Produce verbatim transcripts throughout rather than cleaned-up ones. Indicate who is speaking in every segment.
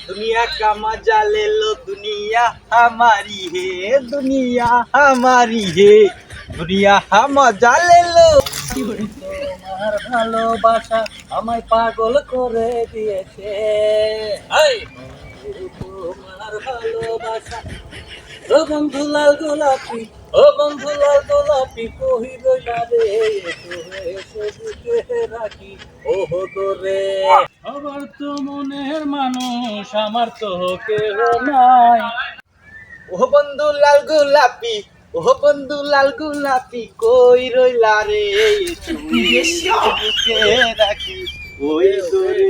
Speaker 1: दुनिया का मजा ले लो दुनिया हमारी है दुनिया हमारी है दुनिया मजा ले लो তোমার ভালোবাসা আমায় পাগল করে দিয়েছে এই তোমার ভালোবাসা ও বন্ধু লাল গোলাপি ও বন্ধু লাল গোলাপি কহি রইলা রে এসো এসো বুকে রাখি ওহ তোরে আমার তো মনের মানুষ আমার তো কেহ নাই ও বন্ধু লাল গোলাপি ও বন্ধু লাল গোলাপি কই রইলা রে এসো বুকে রাখি ওই তোরে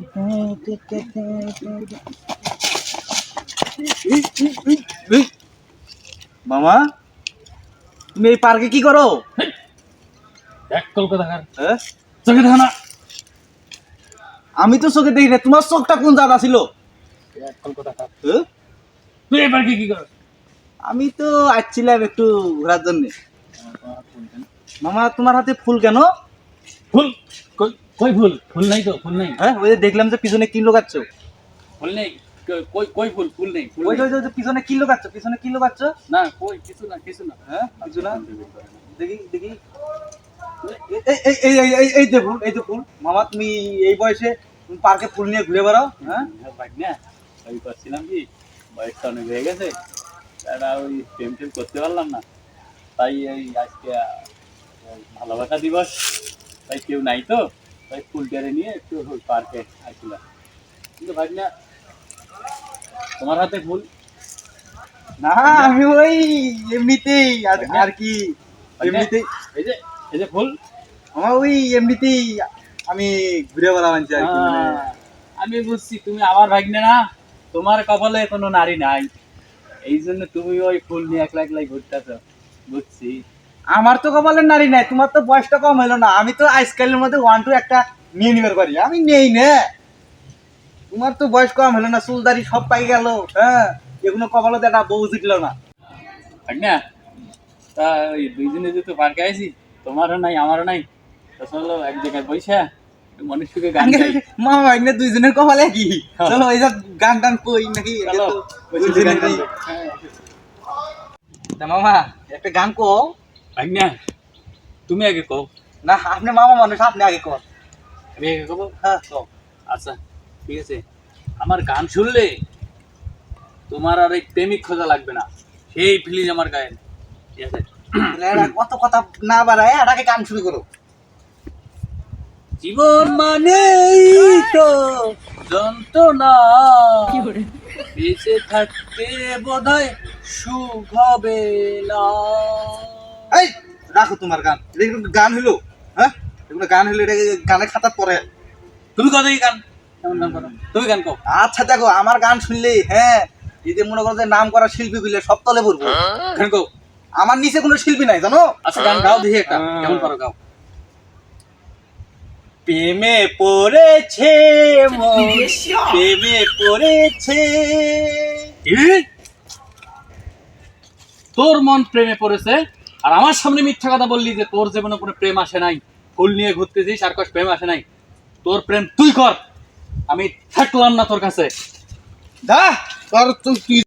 Speaker 1: মামা তুমি এই পার্কে কি করো?
Speaker 2: এক কলকাতা
Speaker 1: হ্যাঁ
Speaker 2: চোখে দেখো না।
Speaker 1: আমি তো চোখে দেখি না, তোমার চোখটা কোন জায়গা ছিল?
Speaker 2: এক কলকাতা
Speaker 1: হ্যাঁ?
Speaker 2: তুই এবার কি কি কর?
Speaker 1: আমি তো আসছিলাম একটু ঘোরার জন্য। মামা তোমার হাতে ফুল কেন?
Speaker 2: ফুল কই কই ফুল ফুল নাই তো ফুল নাই।
Speaker 1: হ্যাঁ ওই যে দেখলাম যে পিছনে কি লোকাচ্ছ।
Speaker 2: ফুল নেই কই- কই কই ফুল ফুল নেই ফুল
Speaker 1: ওই
Speaker 2: নেই।
Speaker 1: যে ওই যে পিছনে কি লোকাচ্ছ পিছনে কি লোকাচ্ছ?
Speaker 2: না কই কিছু না কিছু না।
Speaker 1: হ্যাঁ কিছু না, দেখি দেখি এই এই এই এই এই এই যে ফুল এই যে ফুল। মামা তুমি এই বয়সে তুমি পার্কে ফুল নিয়ে ঘুরে বেড়াও? হ্যাঁ
Speaker 2: ভাই না ওই করছিলাম কি বয়সটা অনেক হয়ে গেছে, তারা ওই প্রেম টেম করতে পারলাম না, তাই এই আজকে আহ, ভালোবাসা দিবস, তাই কেউ নাই তো তাই ফুল টেরে নিয়ে একটু ওই পার্কে আসছিলাম। কিন্তু ভাই না তোমার হাতে ফুল
Speaker 1: না আমি ওই এমনিতেই আর আর কি এমনিতেই
Speaker 2: এই যে এই যে ফুল
Speaker 1: আমার ওই এমনিতেই আমি ঘুরে বেড়াও আনছি আর কি মানে।
Speaker 2: আহ, আমি বুঝছি তুমি আমার ভাগ্নে না, তোমার কপালে কোনো নারী নাই, এই জন্য তুমি ওই ফুল নিয়ে একলা একলাই ঘুরতেছ। বুঝছি
Speaker 1: আমার তো কপালের নারী নাই, তোমার তো বয়সটা কম হলো না, আমি তো আজকালের মধ্যে ওয়ান টু একটা নিয়ে নিবার পারি, আমি নেই না। তোমার তো বয়স কম হলো না, চুলদারি সব পাই গেল, হ্যাঁ এগুলো কপালে তো একটা বউ জিতল না।
Speaker 2: ভাগ্না তা ওই দুইজনে যেহেতু পার্কে আইছি, তোমারও নাই আমারও নাই, তো চলো এক জায়গায় বৈশা মনুষ্যকে গান গাই।
Speaker 1: মামা ভাগ্নে দুইজনের কপালে কি, চলো এই যে গান টান কই নাকি এটা
Speaker 2: চলো,
Speaker 1: তো
Speaker 2: বসে
Speaker 1: দুইজনেরই।
Speaker 2: গান গাই। হ্যাঁ।
Speaker 1: তা মামা একটা গান কও
Speaker 2: ভাগ্না তুমি আগে কও।
Speaker 1: না, আপনি মামা মানুষ, আপনি আগে কর।
Speaker 2: আমি আগে কব?
Speaker 1: হ্যাঁ কও।
Speaker 2: আচ্ছা ঠিক আছে, আমার গান শুনলে তোমার আর এই প্রেমিক খোঁজা লাগবে না, সেই ফিলিং আমার গায়ে, ঠিক আছে?
Speaker 1: এরা কত কথা না বাড়ায় এটাকে গান শুরু করো।
Speaker 2: জীবন মানেই তো যন্ত্রণা, বেঁচে থাকতে বোধহয় সুখ হবে না।
Speaker 1: এই রাখো তোমার গান, এটা কিন্তু গান হইলো? হ্যাঁ এগুলো গান হইলো, এটা গানের খাতা পড়ে।
Speaker 2: তুমি কত কি গান কেমন গান করো? তুমি গান কও।
Speaker 1: আচ্ছা দেখো আমার গান শুনলেই হ্যাঁ এই যে মনে করো যে নাম করা শিল্পী গুলো সব তলে পড়বো।
Speaker 2: গান কও।
Speaker 1: আমার নিচে কোনো শিল্পী নাই জানো।
Speaker 2: আচ্ছা গান গাও দেখি একটা, কেমন পারো গাও।
Speaker 1: প্রেমে পড়েছে মন, প্রেমে পড়েছে।
Speaker 2: কি? তোর মন প্রেমে পড়েছে আর আমার সামনে মিথ্যা কথা বললি যে তোর জীবনে কোনো প্রেম আসে নাই, ফুল নিয়ে ঘুরতেছিস আর কস প্রেম আসে নাই। তোর প্রেম তুই কর, আমি থাকলাম না তোর কাছে।
Speaker 1: দা তোর তুই